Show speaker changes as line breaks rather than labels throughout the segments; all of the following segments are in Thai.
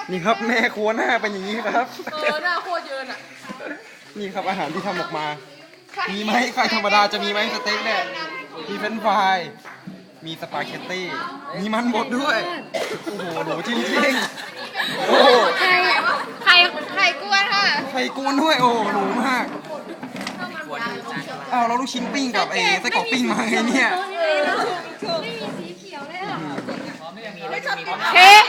นี่ครับแม่ครัวหน้าเป็นอย่างนี้ครับ
หน้าโคตรเยินอ่ะ
นี่ครับอาหารที่ทำออกมา มีไหมไข่ธรรมดาจะมีไหมสเต็กเนี่ยมีเฟรนช์ฟรายมีสปาเกตตี้มีมันบดด้วย โอ้โหหนูจริงๆโอ้โห
ไข่กวนค่ะ
ไข่กวนด้วยโอ้หนูมากอ้าวเราลูกชิ้นปิ้งกับไอ้ไส้กรอกปิ้งมาไงเนี่ย
เค้ก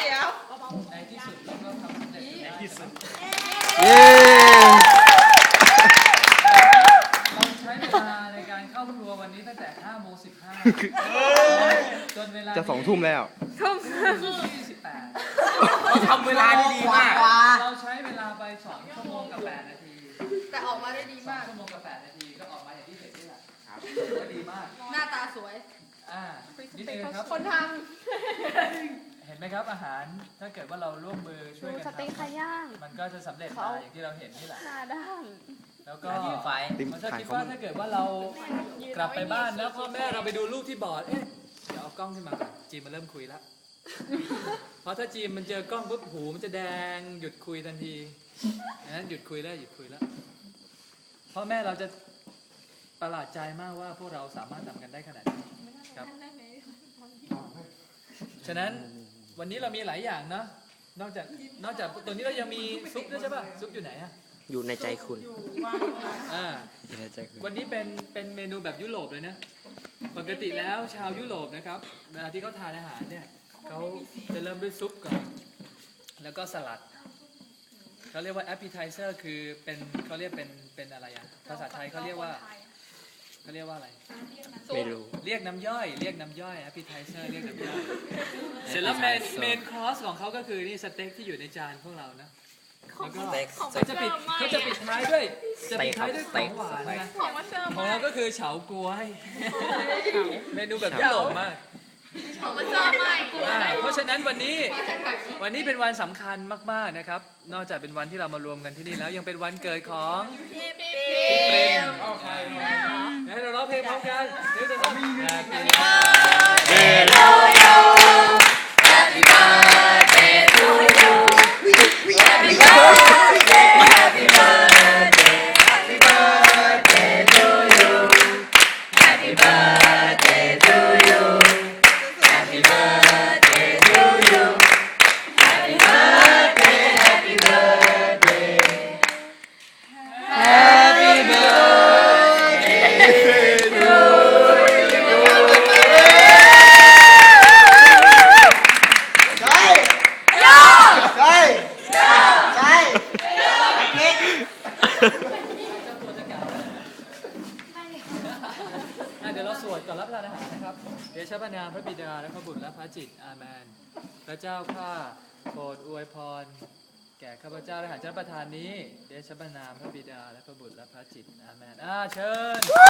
เย้
เราใช้เวลาในการเข้าครัววันนี้ตั้งแต่5:15จนเวลา
จะ2 ทุ่มแล้ว
28
เราทำเวลาได้ดีมาก
เราใช้เวลาไป2 ชั่วโมงกับ 8 นาที
แต่ออกมาได้ดีมาก
2 ชั่วโมงกับ 8 นาทีก็ออกมาอย่างที่เห็นนี่แหละก็ดีมาก
หน้าตาสวย
นิดนึงครับ
คนท
เห็นไหมครับอาหารถ้าเกิดว่าเราร่วมมือช่วยกัน
สเต็กไข่ย่าง
มันก็จะสำเร็จมาอย่างที่เราเห็นนี่แหละ
หน้าด้าน
แล้วก็
ไฟ
มันจะคิดว่าถ้าเกิดว่าเรากลับไปบ้านแล้วพ่อแม่เราไปดูลูกที่บอร์ดเอ๊ะเดี๋ยวเอากล้องขึ้นมาก่อนจีมมันเริ่มคุยแล้วเพราะถ้าจีมมันเจอกล้องปุ๊บหูมันจะแดงหยุดคุยทันทีนั้นหยุดคุยแล้วพ่อแม่เราจะประหลาดใจมากว่าพวกเราสามารถทำกันได้ขนาดนี้ครับฉะนั้นวันนี้เรามีหลายอย่างเนาะนอกจากตัวนี้เรายังมีซุปด้วยใช่ป่ะซุปอยู่ไหนอะ
อยู่ในใจคุณ
อ่า
อยู่ในใจคุณ
วันนี้เป็นเมนูแบบยุโรปเลยนะ ปกติแล้วชาวยุโรปนะครับเวลาที่เขาทานอาหารเนี่ยเขาจะเริ่มด้วยซุปก่อนแล้วก็สลัดเขาเรียกว่า appetizer คือเขาเรียกเป็นอะไรอ่ะภาษาไทยเขาเรียกว่าอะไร
ไม่รู้
เรียกน้ำย่อย appetizer เรียกน้ำย่อยเสร็จแล้วเมนคอร์สของเขาก็คือนี่สเต็กที่อยู่ในจานพวกเรานะแล้วก็
สเต็ก
เขาจะปิดท้ายด้วยของหวานนะ
ำของมาเสิร์ฟ
ของเราก็คือเฉาก๊วยเมนูแบบยุโรปมาก
ของมาเสิร์ฟใหม่
เพราะฉะนั้นวันนี้เป็นวันสำคัญมากๆนะครับ นอกจากเป็นวันที่เรามารวมกันที่นี่แล้วยังเป็นวันเกิดของพี่เปรมให้เราร้องเพลงพร้อมกันเดี๋ยวจะต้อง เดี๋ยวเราสวดก่อนรับประทานอาหารนะครับเดชะพระนามพระบิดาและพระบุตรและพระจิตอาเมนพระเจ้าข้าโปรดอวยพรแก่ข้าพเจ้าและอาหารเจ้าประทานนี้เดชะพระนามพระบิดาและพระบุตรและพระจิตอาเมนเชิญ